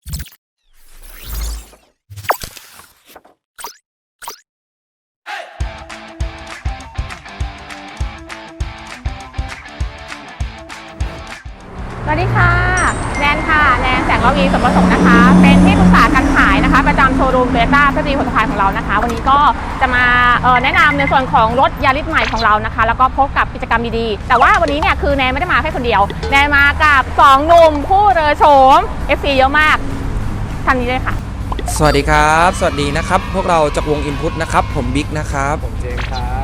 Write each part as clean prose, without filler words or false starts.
สวัสดีค่ะแนนค่ะแนนแสงระวีสมประสงค์นะคะเป็นที่ปรึกษาการขายนะคะประจำโชว์รูมโตโยต้าเพชรบุรีผลพายของเรานะคะวันนี้ก็จะมาแนะนำในส่วนของรถยาริสใหม่ของเรานะคะแล้วก็พบกับกิจกรรมดีๆแต่ว่าวันนี้เนี่ยคือแนนไม่ได้มาแค่คนเดียวแนนมากับ2หนุ่มผู้เรือโฉม FC เยอะมากท่านนี้เลยค่ะสวัสดีครับสวัสดีนะครับพวกเราจากวง Input นะครับผมบิ๊กนะครับผมเจมส์ครับ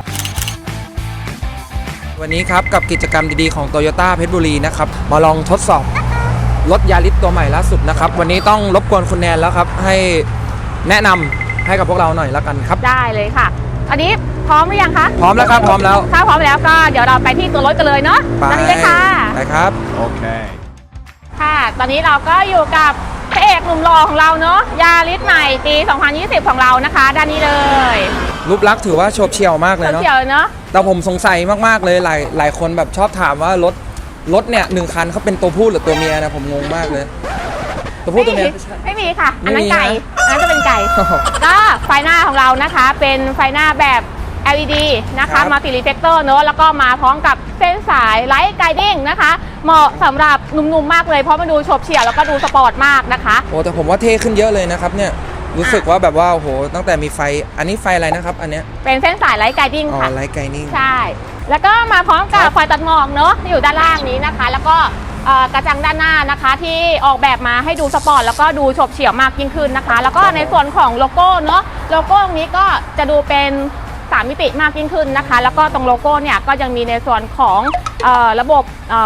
วันนี้ครับกับกิจกรรมดีๆของ Toyota เพชรบุรีนะครับมาลองทดสอบรถยาริสตัวใหม่ล่าสุดนะครับวันนี้ต้องรบกวนคุณแนนแล้วครับให้แนะนำให้กับพวกเราหน่อยละกันครับได้เลยค่ะอันนี้พร้อมหรือยังคะพร้อมแล้วครับพร้อมแล้วถ้าพร้อมแล้วก็เดี๋ยวเราไปที่ตัวรถกันเลยเนาะตอนนี้เลยค่ะไปครับโอเคค่ะตอนนี้เราก็อยู่กับพระเอกหนุ่มหล่อของเราเนาะยาริสใหม่ปี 2020 ของเรานะคะด้านนี้เลยรูปลักษณ์ถือว่าโฉบเฉี่ยวมากเลยเนาะโฉบเฉี่ยวเนาะแต่ผมสงสัยมากๆเลยหลายคนแบบชอบถามว่ารถเนี่ย1คันเขาเป็นตัวผู้หรือตัวเมียนะผมงงมากเลยตัวผู้ตัวเมียไม่มีค่ะอันนั้นไก่อันนั้นจะเป็นไก่ก็ไฟหน้าของเรานะคะเป็นไฟหน้าแบบ LED นะคะมัลติรีเฟลเตอร์เนอะแล้วก็มาพร้อมกับเส้นสายไลท์ไกดิ้งนะคะเหมาะสำหรับหนุ่มๆมากเลยเพราะมันดูโฉบเฉี่ยวแล้วก็ดูสปอร์ตมากนะคะโอ้แต่ผมว่าเท่ขึ้นเยอะเลยนะครับเนี่ยรู้สึกว่าแบบว่าโอ้โหตั้งแต่มีไฟอันนี้ไฟอะไรนะครับอันเนี้ยเป็นเส้นสายไลท์ไกดิ้งค่ะไลท์ไกดิ้งใช่แล้วก็มาพร้อมกับไฟตัดหมอกเนอะอยู่ด้านล่างนี้นะคะแล้วก็กระจังด้านหน้านะคะที่ออกแบบมาให้ดูสปอร์ตแล้วก็ดูโฉบเฉี่ยวมากยิ่งขึ้นนะคะแล้วก็ในส่วนของโลโก้เนอะโลโก้ตรงนี้ก็จะดูเป็น3มิติมากยิ่งขึ้นนะคะแล้วก็ตรงโลโก้เนี่ยก็ยังมีในส่วนของระบบ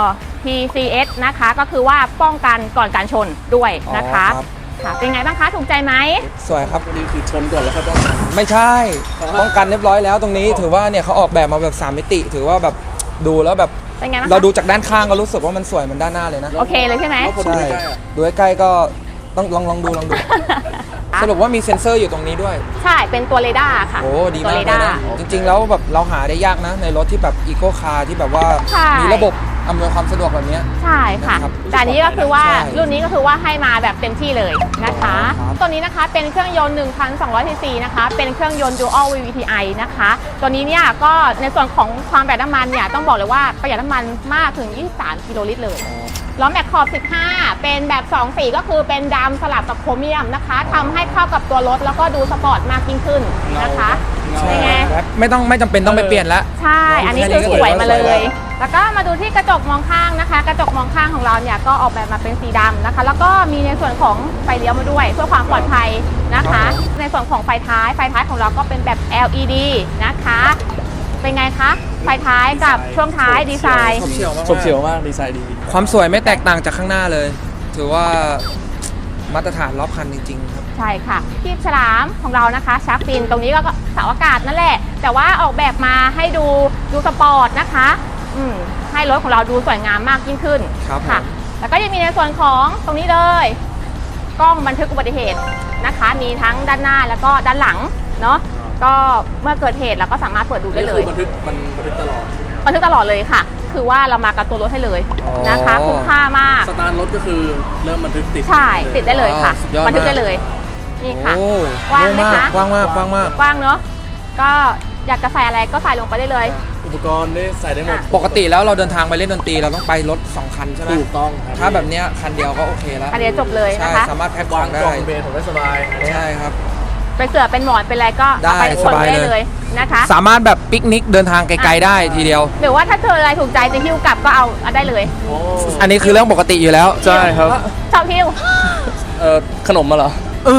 PCS นะคะก็คือว่าป้องกันก่อนการชนด้วยนะคะค่ะเป็นไงบ้างคะถูกใจไหมสวยครับนี่คือชนก่อนแล้วก็ต้องไม่ใช่ป้องกันเรียบร้อยแล้วตรงนี้ถือว่าเนี่ยเขาออกแบบมาแบบ3มิติถือว่าแบบดูแล้วแบบเราดูจากด้านข้างก็รู้สึกว่ามันสวยเหมือนด้านหน้าเลยนะโอเคเลยใช่ไหมใช่ดูใกล้ๆก็ต้องลองดูสรุปว่ามีเซ็นเซอร์อยู่ตรงนี้ด้วยใช่เป็นตัวเรดาร์ค่ะโอ้ดีมากเลยนะจริงๆแล้วแบบเราหาได้ยากนะในรถที่แบบอีโคคาร์ที่แบบว่ามีระบบอำนวยความสะดวกแบบนี้ใช่ค่ะแต่นี้ก็คือว่ารุ่นนี้ก็คือว่าให้มาแบบเต็มที่เลยนะคะตัวนี้นะคะเป็นเครื่องยนต์ 1,200 ซีซีนะคะเป็นเครื่องยนต์ Dual VVTi นะคะตัวนี้เนี่ยก็ในส่วนของความประหยัดน้ำมันเนี่ยต้องบอกเลยว่าประหยัดน้ำมันมากถึง23 กิโลลิตรเลยล้อแม็กขอบ15เป็นแบบ2สีก็คือเป็นดำสลับกับโครเมียมนะคะทำให้เข้ากับตัวรถแล้วก็ดูสปอร์ตมากยิ่งขึ้นนะคะเป็นไงไม่จำเป็นต้องไปเปลี่ยนแล้วใช่อันนี้คือสวยมาเลยแล้วก็มาดูที่กระจกมองข้างนะคะกระจกมองข้างของเราเนี่ยก็ออกแบบมาเป็นสีดำนะคะแล้วก็มีในส่วนของไฟเลี้ยวมาด้วยเพื่อความปลอดภัยนะคะในส่วนของไฟท้ายของเราก็เป็นแบบ LED นะคะเป็นไงคะไฟท้ายกับช่วงท้ายดีไซน์โฉบเฉี่ยวมากดีไซน์ดีความสวยไม่แตกต่างจากข้างหน้าเลยถือว่ามาตรฐานรอบคันจริงๆครับใช่ค่ะคีบฉลามของเรานะคะชาร์กฟินตรงนี้ก็เสาอากาศนั่นแหละแต่ว่าออกแบบมาให้ดูสปอร์ตนะคะให้รถของเราดูสวยงามมากยิ่งขึ้นค่ะแล้วก็ยังมีในส่วนของตรงนี้เลยกล้องบันทึกอุบัติเหตุนะคะมีทั้งด้านหน้าแล้วก็ด้านหลังเนาะก็เมื่อเกิดเหตุเราก็สามารถเปิดดูได้เลยบันทึกตลอดเลยค่ะคือว่าเรามากับตัวรถให้เลยนะคะคุ้มค่ามากสตาร์ทรถก็คือเริ่มบันทึกติดใช่ติดได้เลยค่ะบันทึกได้เลยนี่ค่ะกว้างไหมคะกว้างมากกว้างเนาะก็อยากจะใส่อะไรก็ใส่ลงไปได้เลยอุปกรณ์ได้ใส่ได้หมดปกติแล้วเราเดินทางไปเล่นดนตรีเราต้องไปรถ2คันใช่ไหมถูกต้องถ้าแบบเนี้ยคันเดียวก็โอเคแล้วคันเดียวจบเลยนะคะสามารถแพ็คของได้เบนผมได้สบายใช่ครับไปเสือเป็นหมอนเป็นอะไรก็ได้สบายเลยนะคะสามารถแบบปิกนิกเดินทางไกลๆได้ทีเดียวหรือว่าถ้าเจออะไรถูกใจจะหิ้วกลับก็เอาได้เลยอันนี้คือเรื่องปกติอยู่แล้วใช่ครับชอบหิ้วขนมมาเหรอ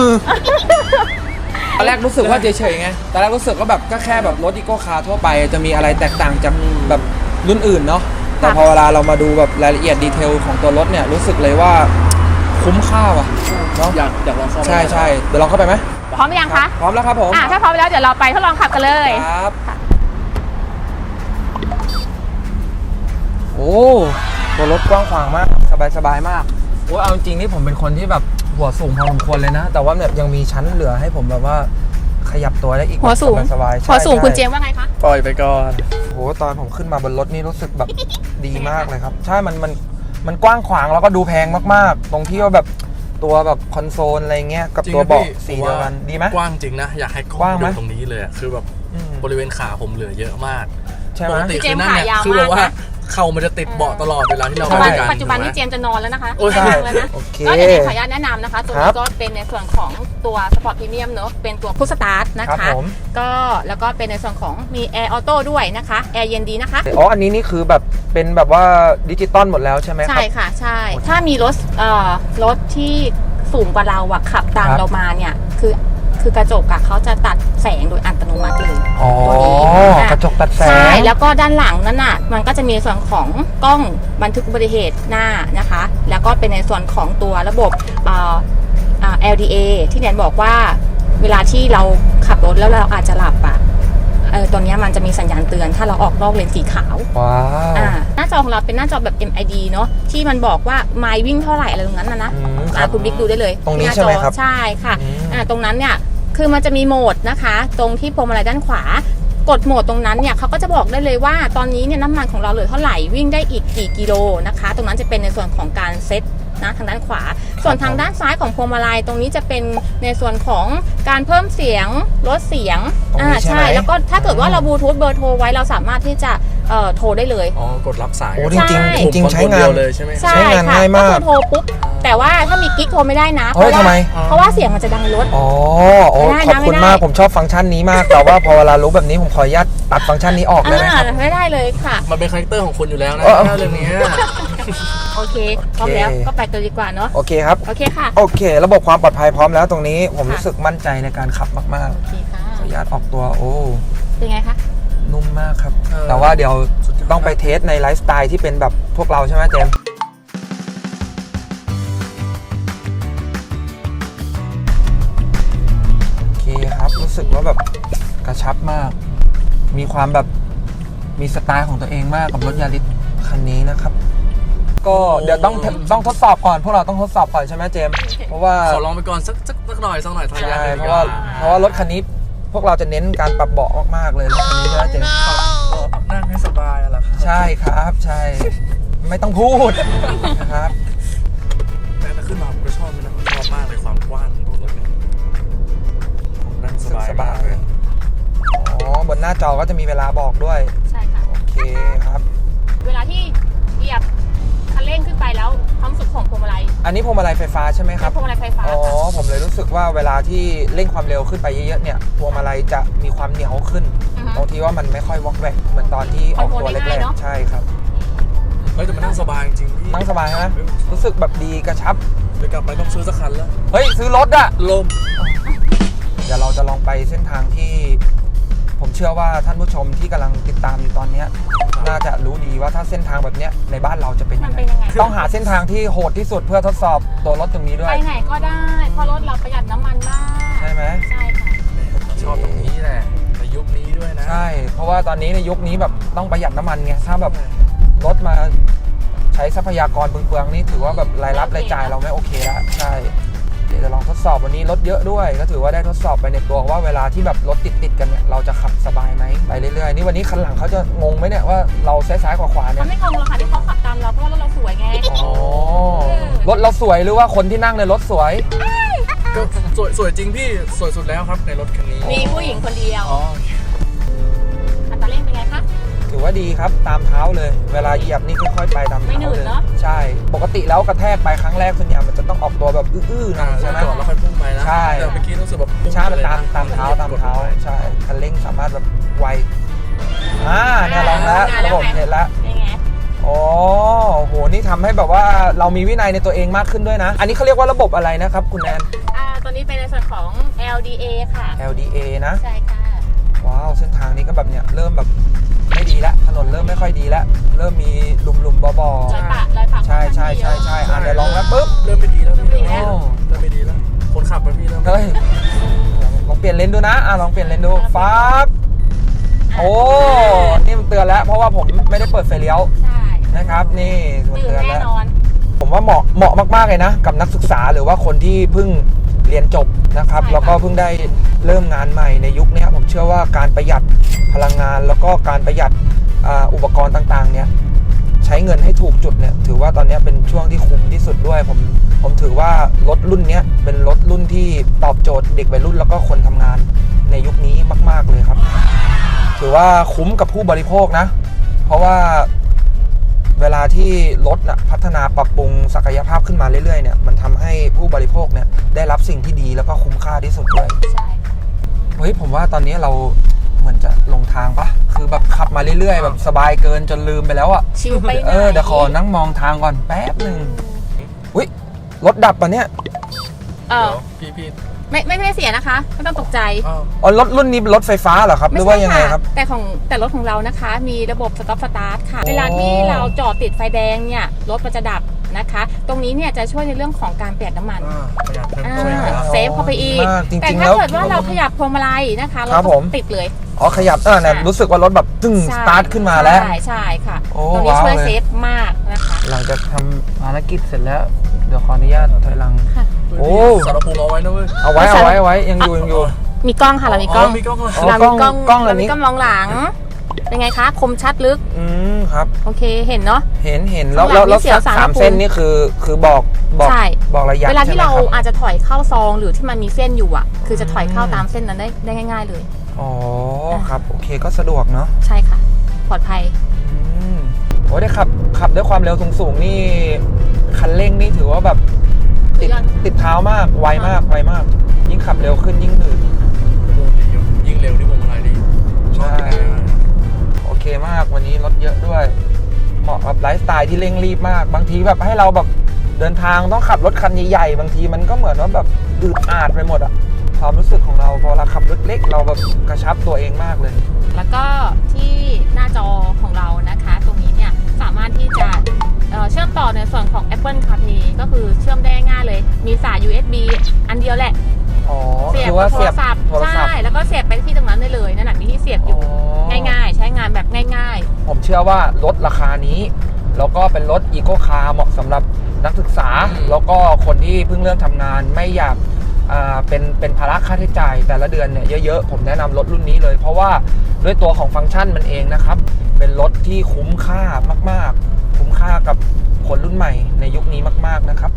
ตอนแรกรู้สึกว่าเฉยๆไงตอนแรกรู้สึกว่าแบบก็แค่แบบรถอีโก้คาร์ทั่วไปจะมีอะไรแตกต่างจากแบบรุ่นอื่นเนาะแต่พอเวลาเรามาดูแบบรายละเอียดดีเทลของตัวรถเนี่ยรู้สึกเลยว่าคุ้มค่าว่ะเนาะอยากลองเข้าไปใช่เดี๋ยวลองเข้าไปไหมพร้อมหรือยังคะพร้อมแล้วครับผมถ้าพร้อมแล้วเดี๋ยวเราไปทดลองขับกันเลยครับโอ้ตัวรถกว้างขวางมากสบายมากโอ้เอาจริงนี่ผมเป็นคนที่แบบหัวสูงพอสมควรเลยนะแต่ว่าแบบยังมีชั้นเหลือให้ผมแบบว่าขยับตัวได้อีกหัวสูงสบายหัวสูงคุณเจมว่าไงคะปล่อยไปก่อนโหตอนผมขึ้นมาบนรถนี่รู้สึกแบบดีมากเลยครับใช่มันกว้างขวางแล้วก็ดูแพงมากๆตรงที่ว่าแบบตัวแบบคอนโซลอะไรเงี้ยกับจริงตัวนะเบาะพี่สีผมเดียวว่ากันดีไหมกว้างจริงนะ อยากให้กล้กว้างองไหมดูตรงนี้เลยอะคือแบบอืมบริเวณขาผมเหลือเยอะมากใช่ไหมปกติพี่เจคือมส์นั่นเนี่ยขายาวคือแบบว่ามากนะเข่ามันจะติดเบาะตลอดเวลาที่เราใช่ไปกันปัจจุบันนี้เจถูกไหมมส์จะนอนแล้วนะคะโอ้ยไม่นั่งแล้วนะโอเคก็เดี๋ยวเจมส์ขออนุญาตแนะนำนะคะ ตัวครันี้บก็เป็นในส่วนของตัวสปอร์ตพรีเมียมเนอะเป็นตัวพุชสตาร์ทนะครัคะบผมก็แล้วก็เป็นในส่วนของมีแอร์ออโต้ด้วยนะคะแอร์เย็นดีนะคะอ๋ออันนี้นี่คือแบบเป็นแบบว่าดิจิตอลหมดแล้วใช่ไหมคใช่รับค่ะใช่ ถ้ามีรถที่สูงกว่าเราอะขับตามครับเรามาเนี่ยคือกระจกอะเขาจะตัดแสงโดยอัตโนมัติเลยอ๋อตัวนี้กระจกตัดแสใช่งแล้วก็ด้านหลังนั้นน่ะมันก็จะมีส่วนของกล้องบันทึกอุบัติเหตุหน้านะคะ แล้วก็เป็นในส่วนของตัวระบบLDA ที่แนนบอกว่าเวลาที่เราขับรถแล้วเราอาจจะหลับอะตัวเนี้ยมันจะมีสัญญาณเตือนถ้าเราออกนอกเลนสีขาวว้าวหน้าจอของเราเป็นหน้าจอแบบ MID เนาะที่มันบอกว่าไมล์วิ่งเท่าไหร่อะไรตรงนั้นนะอืมครับคุณบิ๊กดูได้เลยตรงนี้าจอใช่ไหมครับใช่ค่ะอืมตรงนั้นเนี่ยคือมันจะมีโหมดนะคะ ตรงที่พวงมาลัยด้านขวากดโหมดตรงนั้นเนี่ยเขาก็จะบอกได้เลยว่าตอนนี้เนี่ยน้ำมันของเราเหลือเท่าไหร่วิ่งได้อีกกี่กิโลนะคะ ตรงนั้นจะเป็นในส่วนของการเซตนะทางด้านขวา ส่วนทางด้านซ้ายของพวงมาลัยตรงนี้จะเป็นในส่วนของการเพิ่มเสียงลดเสียงตรงนี้ใช่ไหมแล้วก็ถ้าเกิดว่าเราบลูทูธเบอร์โทรไว้เราสามารถที่จะโทรได้เลยอ๋อกดรับสายโอ้กันจริงใช่ๆจริงๆใช้งานเดียวเลยใช่ไหมใช่ใช้งานค่ะง่ายมากก็คือโทรปุ๊บแต่ว่าถ้ามีกิ๊กโทรไม่ได้นะเฮ้ยทำไมเพราะว่าเสียงมันจะดังในรถอ๋อโอ้ไม่ได้นะขอบคุณไม่ได้มากผมชอบฟังก์ชันนี้มาก แต่ว่าพอเวลารู้แบบนี้ผมขออนุญาตตัดฟังก์ชันนี้ออกได้ไหมครับไม่ได้เลยค่ะมันเป็นคาแรคเตอร์ของคุณอยู่แล้วนะเออเรื่องนี้โอเคพร้อมแล้วก็ไปตัวดีกว่าเนาะโอเคครับโอเคค่ะโอเค ระบบความปลอดภัยพร้อมแล้วตรงนี้ผมค่ะรู้สึกมั่นใจในการขับมากโอเคค่ะๆขออนุญาตออกตัวโอ้เป็นไงคะนุ่มมากครับเออแต่ว่าเดี๋ยวต้องไปเทสในไลฟ์สไตล์ที่เป็นแบบพวกเราใช่ไหมเจมส์โอเคครับรู้สึกว่าแบบกระชับมาก มีความแบบมีสไตล์ของตัวเองมากกับรถยาริสคันนี้นะครับ ก็เดี๋ยวต้องทดสอบก่อนพวกเราต้องทดสอบก่อนใช่ไหมเจมส์เพราะว่าขอลองไปก่อนสักหน่อยทายาใช่ทเพราะว่ารถคันนี้พวกเราจะเน้นการปรับเบาะมากๆเลยรถคันนี้ใช่ไหมเจมส์นั่งให้สบายอะล่ะครับใช่ครับใช่ ไม่ต้องพูดนะครับแต่ขึ้นมาผมก็ชอบมันนะผมชอบมากเลยความกว้างของรถเนี่ยผมนั่งสบายมากเลยอ๋อบนหน้าจอก็จะมีเวลาบอกด้วยใช่ค่ะโอเคครับเวลาที่เหยียบคันเร่งขึ้นไปแล้วความรู้สึกของพวงมาลัยอันนี้พวงมาลัยไฟฟ้าใช่ไหมคเป็รับนพวงมาลัยไฟฟ้าอ๋อค่ะผมเลยรู้สึกว่าเวลาที่เร่งความเร็วขึ้นไปเยอะๆเนี่ยพวงมาลัยจะมีความเหนียวขึ้นอือฮึบางทีว่ามันไม่ค่อยวอกแวกเหมือนตอนที่ออกตัวคอนโทรลได้แรง่ายกเนอะๆใช่ครับเฮ้ยแต่มันนั่งสบายจริงๆพี่นั่งสบายใช่ไหมรู้สึกแบบดีกระชับไปกลับไปต้องซื้อสักคันแล้วเฮ้ยซื้อรถอะลมเดี๋ยวเราจะลองไปเส้นทางที่ ผมเชื่อว่าท่านผู้ชมที่กำลังติดตามอยู่ตอนเนี้ยน่าจะรู้ดีว่าถ้าเส้นทางแบบเนี้ยในบ้านเราจะเป็นมัยันงไงเป็นยังไงต้องหาเส้นทางที่โหดที่สุดเพื่อทดสอบตัวรถตรงนี้ด้วไปยไหนก็ได้เพราะรถเราประหยัดน้ำมันมากใช่ไหมใช่ค่ะชอบตรงนี้แหละในยุคนี้ด้วยนะใช่ เพราะว่าตอนนี้ในยุคนี้แบบต้องประหยัดน้ำมันไงถ้าแบบรถมาใช้ทรัพยากรเปลืองๆนี่ถือว่าแบบรายรับรายจ่ายเราไม่โอเคแล้วใช่เดี๋ยวจะลองทดสอบวันนี้รถเยอะด้วย ก็ถือว่าได้ทดสอบไปในตัวว่าเวลาที่แบบรถติดๆกันเนี่ยเราจะขับสบายไหมไปเรื่อยๆนี่วันนี้คันหลังเขาจะงงไหมเนี่ยว่าเราซ้ายๆขวาๆเนี่เขายไม่งงหรอกค่ะที่เขาขับตามเราเพราะว่ารถเราสวยไงอ๋อรถเราสวยหรือว่าคนที่นั่งในรถสวยก็สวยจริงพี่สวยสุดแล้วครับในรถคันนี้มีผู้หญิงคนเดียวอ๋ออัตราเร่งเป็นไงคะถือว่าดีครับตามเท้าเลย เวลาเหยียบนี่ค่อยๆไปตามไม่เท้าหนืดเลยเนอะใช่ ปกติแล้วกระแทกไปครั้งแรกส่วนใหญ่มันจะต้องออกตัวแบบอื้อๆหน่อยใช่ใช่ไหมจอดแล้วค่อยพุ่งไปนะใช่แต่เมื่อกี้รู้สึกแบบพุ่งใช่มันเลยตามนะตามเท้าตามเท้ากดลงไปใช่คันเร่งสามารถแบบไวเนี่ยลองแล้วระบบเห็นแล้วเป็นไงอ๋อโหนี่ทำให้แบบว่าเรามีวินัยในตัวเองมากขึ้นด้วยนะ อันนี้เขาเรียกว่าระบบอะไรนะครับคุณแนนตัวนี้เป็นในส่วนของ LDA ค่ะ LDA นะใช่ค่ะว้าวเส้นทางนี้ก็แบบเนี้ยเริ่มแบบไม่ดีแล้วถนนเริ่มไม่ค่อยดีแล้วเริ่มมีหลุมๆบ่อรอยปะๆใช่ใช่ใช่ใช่เดี๋ยวลองแล้วปุ๊บเริ่มไม่ดีแล้วพี่เริ่มไม่ดีแล้วเริ่มไม่ดีแล้ว คนขับไปพี่เริ่มเฮ้ยลองเปลี่ยนเลนดูนะลองเปลี่ยนเลนดูฟ้าบโอ้นี่มันเตือนแล้วเพราะว่าผมไม่ได้เปิดไฟเลี้ยวใช่นะครับนี่มันตื่นเตือนแน่แล้วนอนผมว่าเหมาะมากๆเลยนะกับนักศึกษาหรือว่าคนที่เพิ่งเรียนจบนะครับแล้วก็เพิ่งได้เริ่มงานใหม่ในยุคนี้ผมเชื่อว่าการประหยัดพลังงานแล้วก็การประหยัดอุปกรณ์ต่างๆเนี่ยใช้เงินให้ถูกจุดเนี่ยถือว่าตอนนี้เป็นช่วงที่คุ้มที่สุดด้วยผมผมถือว่ารถรุ่นนี้เป็นรถรุ่นที่ตอบโจทย์เด็กวัยรุ่นแล้วก็คนทำงานในยุคนี้มากๆเลยครับถือว่าคุ้มกับผู้บริโภคนะเพราะว่าเวลาที่รถนะพัฒนาปรับปรุงศักยภาพขึ้นมาเรื่อยๆเนี่ยมันทำให้ผู้บริโภคเนี่ยได้รับสิ่งที่ดีแล้วก็คุ้มค่าที่สุดด้วยใช่เฮ้ยผมว่าตอนนี้เราเหมือนจะลงทางปะคือแบบขับมาเรื่อยๆแบบสบายเกินจนลืมไปแล้วอ่ะชิลไปไหนเดี๋ยวขอนั่งมองทางก่อนแป๊บหนึ่งอุ้ยรถดับปะเนี่ยเอเดี๋อยวพี่ไม่เสียนะคะไม่ต้องตกใจอ้าวอ๋อรถรุ่นนี้เป็นรถไฟฟ้าเหรอครับหรือว่ายังไงครับแต่รถของเรานะคะ มีระบบสต็อปสตาร์ทค่ะ เวลาที่เราจอดติดไฟแดงเนี่ยรถมันจะดับนะคะ ตรงนี้เนี่ยจะช่วยในเรื่องของการประหยัดน้ำมันประหยัดเพิ่มอ่าช่วยหน่อยนะเซฟเข้าไปอีกมากจริงๆแต่แล้ถ้าว เกิดว่าเราขยับพวงมาลัยนะคะรถครับผมติดเลยอ๋อขยับเนี่ยรู้สึกว่ารถแบบตึ้งสใช่ตาร์ทขึ้นมาแล้วใช่ค่ะโอ้ตรงนี้ว้าวช่วยเลยเซฟมากนะคะหลังจากทำภารกิจเสร็จแล้วเดี๋ยวขออนุญาตถอยหลังค่ะโอ้สารภูมิเอาไว้นะเว้ยเอาไว้ยังอยู่มีกล้องค่ะเรามีกล้องมีกล้องเลยอ๋อเรามีกล้องกล้องอัเรานนี้มีกล้องมองหลัง เป็นไงคะ คมชัดลึกครับโอเคเห็นเนาะเห็นแล้วข้างหลังแล้วมีเสียวสารสามพระภูมิเส้นนี่คือบอกใช่บอกระยะเวลาที่ใช่ไหมเราครับอาจจะถอยเข้าซองหรือที่มันมีเส้นอยู่อ่ะ คือจะถอยเข้าตามเส้นนั้นได้ง่าย ๆเลยอ๋อครับโอเคก็สะดวกเนาะใช่ค่ะ ปลอดภัยโอ้ได้ขับด้วยความเร็วสูงๆนี่คันเร่งนี่ถือว่าแบบติดเท้ามากไวมากยิ่งขับเร็วขึ้นยิ่งหนืดยิ่งเร็วนี่ผมอะไรดีใช่ โอเคมากวันนี้รถเยอะด้วย เหมาะกับไลฟ์สไตล์ที่เร่งรีบมาก บางทีแบบให้เราแบบเดินทางต้องขับรถคันใหญ่ๆบางทีมันก็เหมือนว่าแบบอึดอัดไปหมดอะความรู้สึกของเราพอเราขับรถเล็กเราแบบกระชับตัวเองมากเลยแล้วก็ที่หน้าจอของเรานะคะ ตรงนี้เนี่ยสามารถที่จะเชื่อมต่อในส่วนของ Apple CarPlay ก็คือเชื่อมได้ง่ายเลย มีสาย USB อันเดียวแหละอ๋อเสียบคือว่ากับโทเสีรยบศัพท์โทรศัพใช่ท์แล้วก็เสียบไปที่ตรงนั้นได้เลยนั่นแหละมีที่เสียบอยู่ ง่ายๆ ใช้งานแบบง่ายผมเชื่อว่ารถราคานี้แล้วก็เป็นรถอีโคคาร์เหมาะสำหรับนักศึกษา แล้วก็คนที่เพิ่งเริ่มทำงานไม่อยากเป็นภาระค่าใช้จ่ายแต่ละเดือนเนี่ยเยอะๆผมแนะนำรถรุ่นนี้เลย เพราะว่าด้วยตัวของฟังก์ชันมันเองนะครับเป็นรถที่คุ้มค่ามากๆคุ้มค่ากับคนรุ่นใหม่ในยุคนี้มากๆนะครับ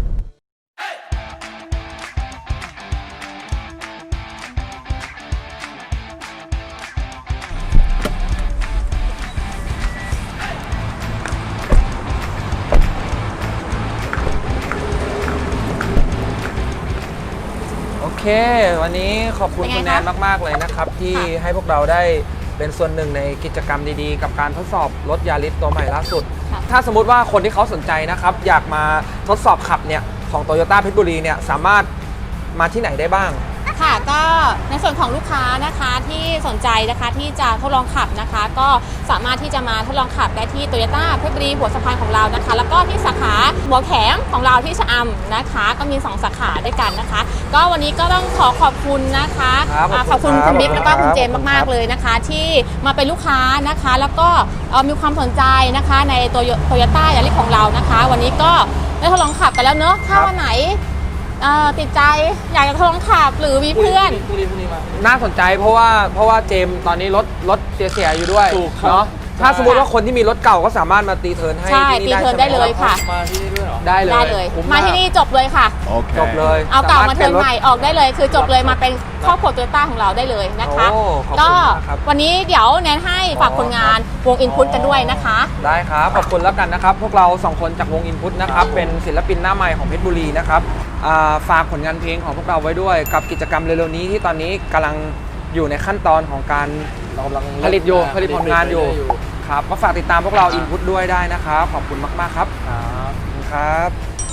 โอเค วันนี้ขอบคุณเป็นไงคุณแนนคะมากๆเลยนะครับที่ค่ะให้พวกเราได้เป็นส่วนหนึ่งในกิจกรรมดีๆ กับการทดสอบรถยาริสตัวใหม่ล่าสุดค่ะถ้าสมมุติว่าคนที่เขาสนใจนะครับอยากมาทดสอบขับเนี่ยของ Toyota เพชรบุรีเนี่ยสามารถมาที่ไหนได้บ้างค่ะก็ในส่วนของลูกค้านะคะที่สนใจนะคะที่จะทดลองขับนะคะ ก็สามารถที่จะมาทดลองขับได้ที่ Toyota เพชรบุรีหัวสะพานของเรานะคะ แล้วก็ที่สาขาหัวแข็งของเราที่ชะอำนะคะ ก็มี2สาขาด้วยกันนะคะ ก็วันนี้ก็ต้องขอบคุณนะคะครับขอบคุณขอบคุณคุณบิ๊กครับแล้วก็คุณเจมส์ขอบคุณมากครับๆเลยนะคะ ที่มาเป็นลูกค้านะคะ แล้วก็มีความสนใจนะคะในตัวโตโยต้ายาริสของเรานะคะ วันนี้ก็ได้ทดลองขับกันแล้วเนอะถ้าวันไหนติดใจอยากจะทดลองขับหรือมีเพื่อนน่าสนใจเพราะว่าเจมส์ตอนนี้รถเสียๆอยู่ด้วยถูกครับเนาะถ้าสมมติว่าคนที่มีรถเก่าก็สามารถมาตีเทิร์นให้ใช่ที่นี่ตีเทิร์นได้เลยค่ะมาที่นี่ด้วยเหรอได้เลยได้เลยคุ้มาที่นี่จบเลยค่ะจบเลยเอาเก่ามาเทิร์นสรถใหม่ออกได้เลย คือจบเลยมาเป็นครอบครัวโตโยต้าของเราได้เลยนะคะโอ้ขอบคุณก็มากครับวันนี้เดี๋ยวแนนให้ฝากผลงานวงอินพุตกันด้วยนะคะได้ครับ ขอบคุณแล้วกันนะครับ พวกเรา 2 คนจากวงอินพุตนะครับ เป็นศิลปินหน้าใหม่ของเพชรบุรีนะครับฝากผลงานเพลงของพวกเราไว้ด้วยกับกิจกรรมเร็วๆนี้ที่ตอนนี้กำลังอยู่ในขั้นตอนของการเรากำลังผลิตผลงานอยู่ครับก็ฝากติดตามพวกเราอินพุตด้วยได้นะครับ ขอบคุณมากๆครับครับขอบคุณครับ